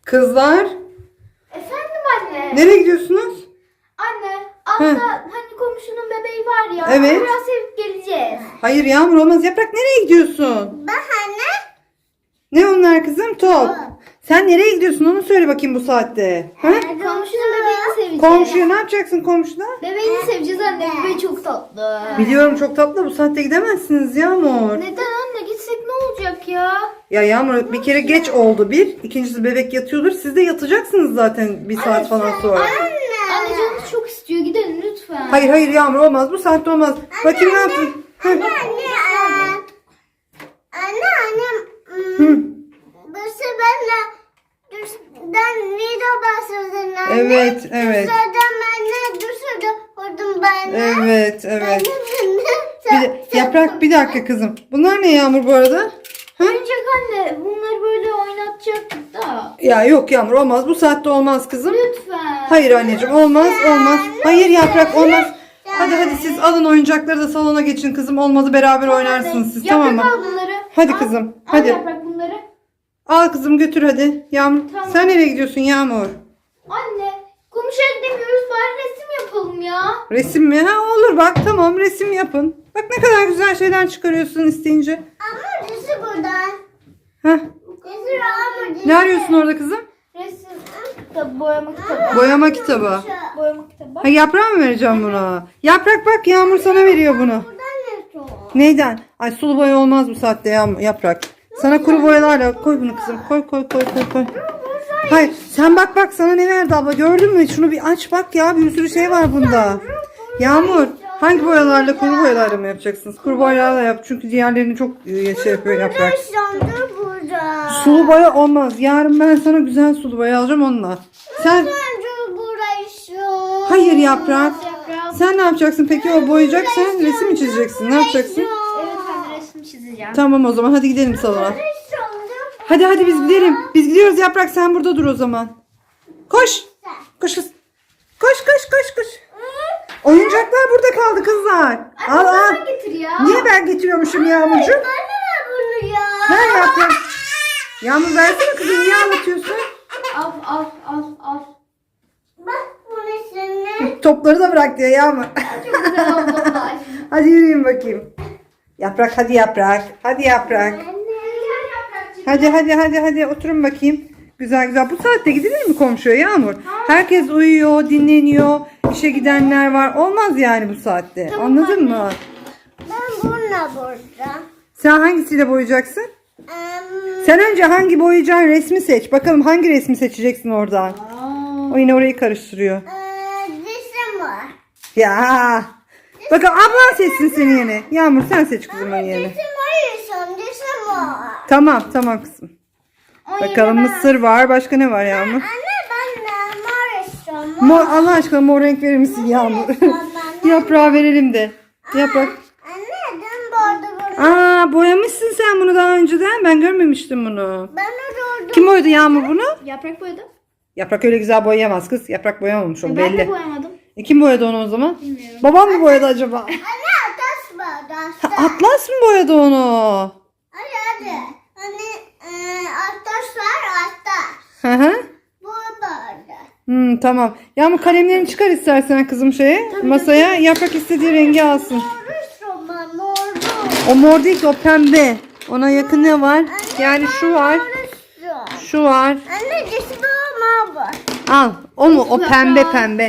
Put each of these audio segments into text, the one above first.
Kızlar, Efendim anne. nereye gidiyorsunuz? Anne, altta hani komşunun bebeği var ya. Evet. Biraz sevip geleceğiz. Hayır Yağmur olmaz. Yaprak nereye gidiyorsun? Ben anne. Ne onlar kızım? Top. Sen nereye gidiyorsun onu söyle bakayım bu saatte. Ha? Komşunun bebeğini seveceğiz. Komşuya ne yapacaksın komşuda? Bebeğini seveceğiz anne. Bebeği çok tatlı. Biliyorum çok tatlı, bu saatte gidemezsiniz Yağmur. Neden anne? Gitsek ne olacak ya? Ya Yağmur bir kere geç oldu bir. İkincisi bebek yatıyordur. Siz de yatacaksınız zaten bir saat falan sonra. Anne canımız çok istiyor. Gidelim lütfen. Hayır Yağmur olmaz. Bu saatte olmaz. Bakayım ne yaptın? Hı. Anne. Hı. Burası ben video bahsedin anne. Evet, evet. Dışarıdan anne dışarıda vurdum ben. Evet. Yaprak bir dakika kızım. Bunlar ne Yağmur bu arada? Oyuncak anne. Bunları böyle oynatacaktık da. Ya yok Yağmur olmaz. Bu saatte olmaz kızım. Lütfen. Hayır anneciğim olmaz. Hayır Yaprak olmaz. Hadi siz alın oyuncakları da salona geçin kızım. Olmadı beraber oynarsınız siz, tamam Yaprak mı? al bunları. Hadi Al. kızım, Al hadi. Yaprak bunları. Al kızım götür hadi. Yağmur Tamam. sen nereye gidiyorsun Yağmur? Anne. Komşuya gidemiyoruz. Bari resim yapalım ya. Resim mi? Ha olur bak, tamam resim yapın. Bak ne kadar güzel şeyler çıkarıyorsun isteyince. Ama dışı buradan. Heh. Dışı ama dışı. Ne arıyorsun orada kızım? Resim kitabı, boyama kitabı. Boyama kitabı. Boyama kitabı. Ha yaprağı mı vereceğim buna? Yaprak bak Yağmur sana veriyor bunu. Buradan ne çok? Neyden? Ay sulu boya olmaz bu saatte Yaprak. Sana kuru boyalarla koy bunu kızım. Koy. Hayır sen bak sana ne verdi abla, gördün mü? Şunu bir aç bak ya, bir sürü şey var bunda. Yağmur hangi boyalarla, kuru boyalarla mı yapacaksınız? Kuru boyalarla yap çünkü diğerlerini çok şey yapıyor Yaprak. Dur burada. Sulu boya olmaz. Yarın ben sana güzel sulu boya alacağım onunla. Sen Dur burası. hayır Yaprak. Yaprak. Sen ne yapacaksın peki, o boyayacak, sen resim mi çizeceksin? Ne yapacaksın? Evet anne resim çizeceğim. Tamam o zaman hadi gidelim salona. Hadi biz gidelim. Biz gidiyoruz Yaprak, sen burada dur o zaman. Koş. Koş kız. Koş. Oyuncaklar burada kaldı kızlar. Al. Bana getir ya. Niye ben getiriyormuşum Yağmurcuğum? Anne bunu ya. Ver Yaprak. Yağmur versene kızım, niye anlatıyorsun? Al. Bak bunu şimdi. Topları da bırak diyor Yağmur. Çok güzel oldu onlar. Hadi yürüyün bakayım. Yaprak hadi Yaprak. Hadi Yaprak. Hadi oturun bakayım. Güzel. Bu saatte gidilir mi komşuya Yağmur? Herkes uyuyor, dinleniyor. İşe gidenler var. Olmaz yani bu saatte. Anladın mı? Ben bununla burada. Sen hangisiyle boyayacaksın? Sen önce hangi boyayacağın resmi seç. Bakalım hangi resmi seçeceksin oradan. O yine orayı karıştırıyor. Dişim var. Ya. Bakalım ablan seçsin seni yine. Yağmur sen seç kızım onun yerine. Dişim var. Dişim var. Tamam kızım. Bakalım mısır var. Başka ne var Yağmur? Anne ben de mor istiyorum. Mor, Allah aşkına mor renk verir misin Yağmur? Yaprağı verelim de. Yaprak. Anne ben burada. Boyamışsın sen bunu daha önceden. Ben görmemiştim bunu. Ben orada. Kim boyadı Yağmur bunu? Yaprak boyadım. Yaprak öyle güzel boyayamaz kız. Yaprak boyamamış o Ben de belli. boyamadım. Kim boyadı onu o zaman? Bilmiyorum. Babam mı boyadı acaba? Anne taş var. Taş. Atlas mı boyadı onu? Hadi. Anne taş var. Taş. Hı hı. Bu burada. Tamam. Yağmur kalemlerini çıkar istersen kızım masaya. Yaprak istediği rengi alsın. Mor. O mor değil ki, o pembe. Ona yakın ne var? Yani şu var. Şu var. Anne dişi bu mor. Al. O mu? O pembe.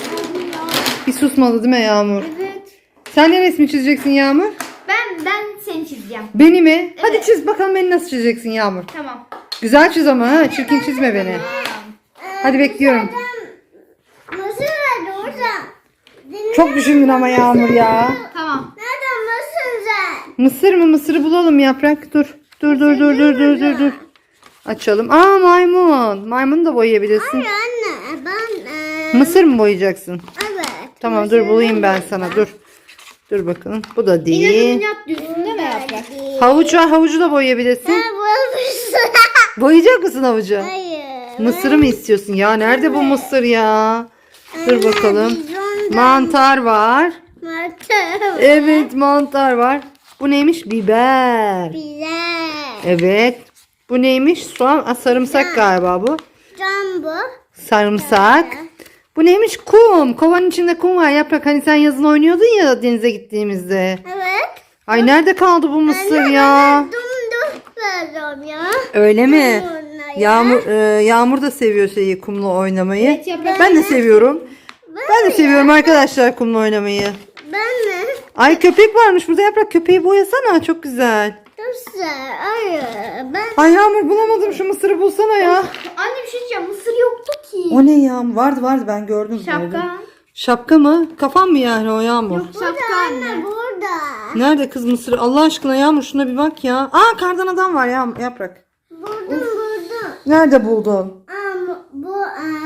Bir susmadı değil mi Yağmur? Evet. Sen ne resmi çizeceksin Yağmur? Ben seni çizeceğim. Beni mi? Hadi çiz bakalım, beni nasıl çizeceksin Yağmur? Tamam. Güzel çiz ama ha. Çirkin çizme beni. Hadi bekliyorum. Mısır nerede orada? Çok düşündün ama Yağmur ya. Tamam. Nerede mısır sen? Mısır mı? Mısırı bulalım Yaprak. Dur. Dur. Açalım. Maymun. Maymunu da boyayabilirsin. Anne ben Mısır mı boyayacaksın? evet. Tamam dur bulayım ben sana. Dur bakalım. Bu da değil. İnat diyorsun değil mi Yaprak? Havuç var. Havucu da boyayabilirsin. Ben bulmuşum. Boyayacak mısın havucu? Hayır. Mısırı mı istiyorsun? Ya nerede bu mısır ya? Dur bakalım. Mantar var. Martı. Evet mantar var. Bu neymiş? Biber. Güzel. Evet. Bu neymiş? Soğan. Sarımsak galiba bu. Can bu. Sarımsak. Bu neymiş? Kum. Kovanın içinde kum var. Yaprak, hani sen yazın oynuyordun ya denize gittiğimizde. Evet. Ay nerede kaldı bu mısır ya? Dumdum vereceğim ya. Öyle mi? Onunla ya. Yağmur da seviyor şeyi, kumla oynamayı. Evet, Yaprak. Ben de seviyorum. Ben de seviyorum arkadaşlar kumla oynamayı. Ben mi? Ay köpek varmış burada. Yaprak, köpeği boyasana, çok güzel. Çok güzel. Hayır. Ben Ay Yağmur, bulamadım, şu mısırı bulsana ya. Anne bir şey diyeceğim. Mısır yoktu ki. O ne ya? Vardı ben gördüm. gördüm. Şapka. Şapka mı? Kafan mı yani o Yağmur? Şapka anne. burada. Nerede kız mısır? Allah aşkına Yağmur, şuna bir bak ya. Aa, kardan adam var ya Yaprak. Buldum. Nerede buldun? Ama bu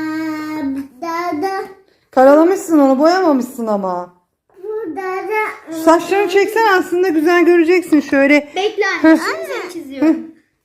dada. Karalamışsın onu, boyamamışsın ama. Bu dada. Saçlarını çeksen aslında güzel göreceksin şöyle. Bekle anne. Şimdi seni çiziyorum.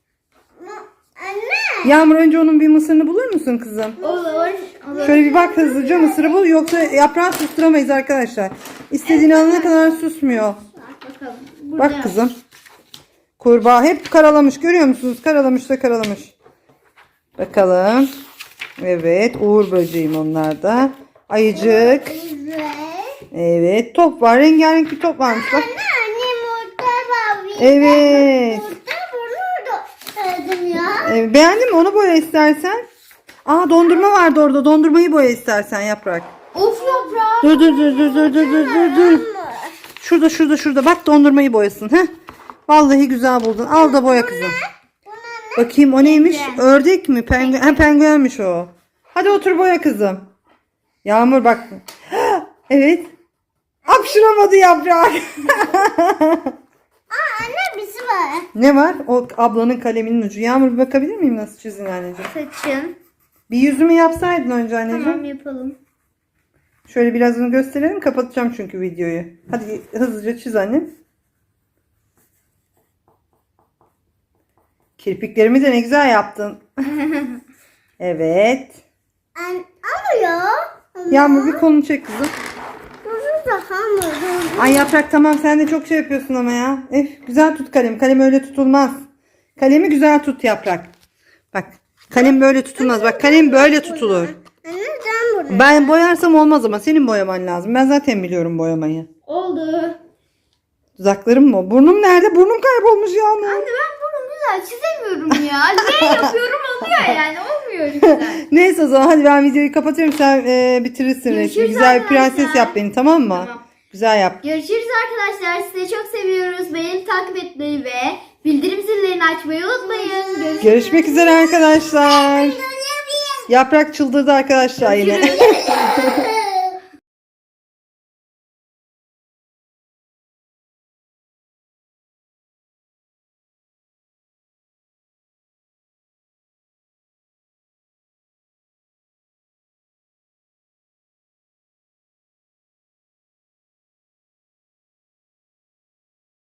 Anne. Yağmur, önce onun bir mısırını bulur musun kızım? Olur. Şöyle bir bak hızlıca, mısırı bul, yoksa yaprağı susturamayız arkadaşlar. İstediğini alana kadar susmuyor. Bakalım. Burada. Bak kızım. Kurbağa hep karalamış, görüyor musunuz? Karalamış da karalamış. Bakalım. Evet, uğur böceğim onlar da. Ayıcık. Evet. Evet, top var. Rengarenk bir top varmış bak. Anne yumurta var. Evet. Yumurta bunu da dedim ya. Beğendin mi? Onu boya istersen. Aa, dondurma vardı orada. Dondurmayı boya istersen Yaprak. Of Yaprak. Dur. Şurada. Bak, dondurmayı boyasın. Heh. Vallahi güzel buldun. Al da boya kızım. Bakayım o neymiş? Ördek mi? Penguen. Ha, penguenmiş o. Hadi otur boya kızım. Yağmur bak. Evet. Hapşıramadı Yaprak. Anne birisi var. Ne var? O ablanın kaleminin ucu. Yağmur, bir bakabilir miyim nasıl çizdin anneciğim? Saçın. Bir yüzümü yapsaydın önce anneciğim. Tamam yapalım. Şöyle birazını gösterelim. Kapatacağım çünkü videoyu. Hadi hızlıca çiz anne. Kirpiklerimi de ne güzel yaptın. Evet. Ama ya. Yağmur, bir kolunu çek kızım. Bunu da hamur. Ay Yaprak, tamam, sen de çok şey yapıyorsun ama ya. Güzel tut kalemi. Kalem öyle tutulmaz. Kalemi güzel tut Yaprak. Bak, kalem böyle tutulmaz. Bak, kalem böyle tutulur. Anne sen bunu. Ben boyarsam olmaz ama senin boyaman lazım. Ben zaten biliyorum boyamayı. Oldu. Dudaklarım mı? Burnum nerede? Burnum kaybolmuş Yağmur. Anne ben bunu güzel çizemiyorum ya. Ne yapıyorum oluyor yani. Olmuyor güzel. Neyse, o zaman hadi ben videoyu kapatıyorum. Sen bitirirsin resmi. Görüşürüz Güzel bir prenses arkadaşlar. yap beni, tamam mı? Tamam. Güzel yap. Görüşürüz arkadaşlar. Sizi çok seviyoruz. Beni takip etmeyi ve bildirim zillerini açmayı unutmayın. Görüşmek üzere arkadaşlar. Yaprak çıldırdı arkadaşlar yine. Görüşürüz.